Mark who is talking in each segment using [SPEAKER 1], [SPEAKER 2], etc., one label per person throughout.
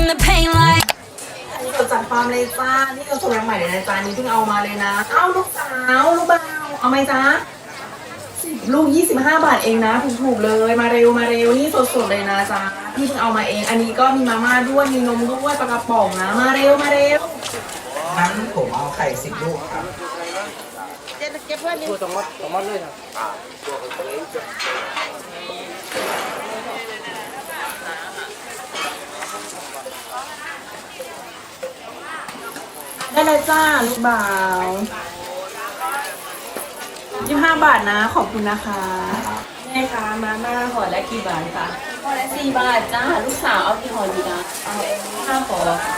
[SPEAKER 1] the pain like
[SPEAKER 2] นี่เราจัดฟาร์มเลยจ้านี่เราส่งมาใหม่เลยนะจ้านี่เพิ่งเอามาเลยนะเอ้าลูกสาวลูกบ่าวเอาไหมจ้าลูก25 บาทเองนะถูกๆเลยมาเร็วนี่สดๆเลยนะจ้าพี่เพิ่งเอามาเองอันนี้ก็มีมาม่าด้วยมีนมด้วยปลากระป๋องนะมาเร็ว
[SPEAKER 3] งั้นผมเอาไข่10 ลูกครับ
[SPEAKER 2] ได้เลยจ้าลูกบ่าว25 บาทนะขอบคุณนะคะแม่คะมาม่าห่อละกี่บาทคะห่อละ4 บาทจ้าลูกสาวเอากี่ห่อดีนะเอา5 ห่อค่ะ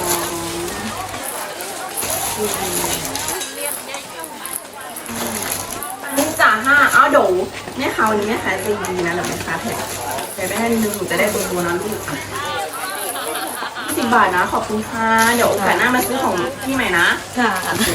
[SPEAKER 2] อันนี้จ่า5เอาเดี๋ยวแม่ค้าวันนี้แม่ค้าใจดีนะเดี๋ยวแม่ค้าแถมไปให้นิดนึงหนูจะได้ตัวนะลูก10 บาทนะขอบคุณค่ะเดี๋ยวโอกาสหน้ามาซื้อของพี่ใหม่นะค่ะโอเค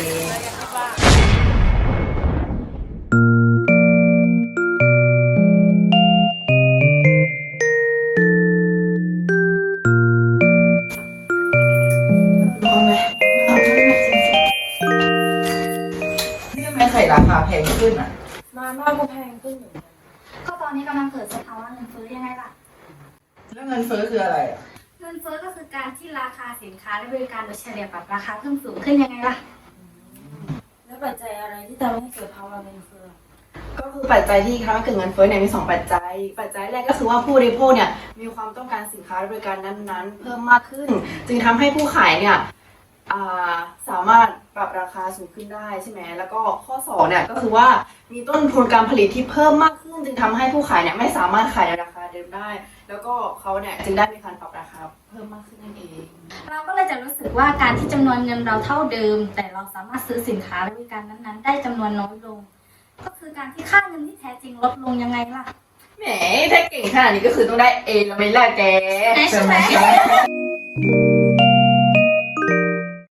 [SPEAKER 3] นี่ทำไมไข่ราคาแพงขึ้นอ่ะ
[SPEAKER 2] มาม่าก็แพงขึ้น
[SPEAKER 4] ก็ตอนนี้กำลังเกิดสภาวะเงินเฟ้อยังไงล่ะ
[SPEAKER 3] แล้วเงินเฟ้อคืออะไรอ่ะ
[SPEAKER 4] เงินเฟ้อก็คือการที่ราคาสินค้าและบริการโดยเฉลี่ยปรับราคาเพิ่มสูงขึ้นยังไงล่ะ
[SPEAKER 5] แล้วปัจจัยอะไรที่ทำให้เกิดภาวะเงินเฟ้อ
[SPEAKER 2] ก็คือปัจจัยที่ทำให้เกิดเงินเฟ้อเนี่ยมี2 ปัจจัยปัจจัยแรกก็คือว่าผู้บริโภคเนี่ยมีความต้องการสินค้าและบริการนั้นๆ เพิ่มมากขึ้น จึงทำให้ผู้ขายเนี่ยสามารถปรับราคาสูงขึ้นได้ใช่ไหมแล้วก็ข้อ2เนี่ยก็คือว่ามีต้นทุนการผลิตที่เพิ่มมากขึ้น จึงทำให้ผู้ขายเนี่ยไม่สามารถขายในราคาเดิมได้ แล้วก็เขาเนี่ยจึงได้มีการปรับราคาเพิ่มมากขึ้นนั่นเอง
[SPEAKER 4] เราก็เลยจะรู้สึกว่าการที่จำนวนเงินเราเท่าเดิม แต่เราสามารถซื้อสินค้าและบริการนั้นๆ ได้จำนวนน้อยลง ก็คือการที่ค่าเงินที่แท้จริงลดลงยังไงล่ะ
[SPEAKER 2] แหมถ้าเก่งขนาดนี้ก็คือต้องได้เอแล้วไหม่ล่ะแก
[SPEAKER 4] ใช่ไหม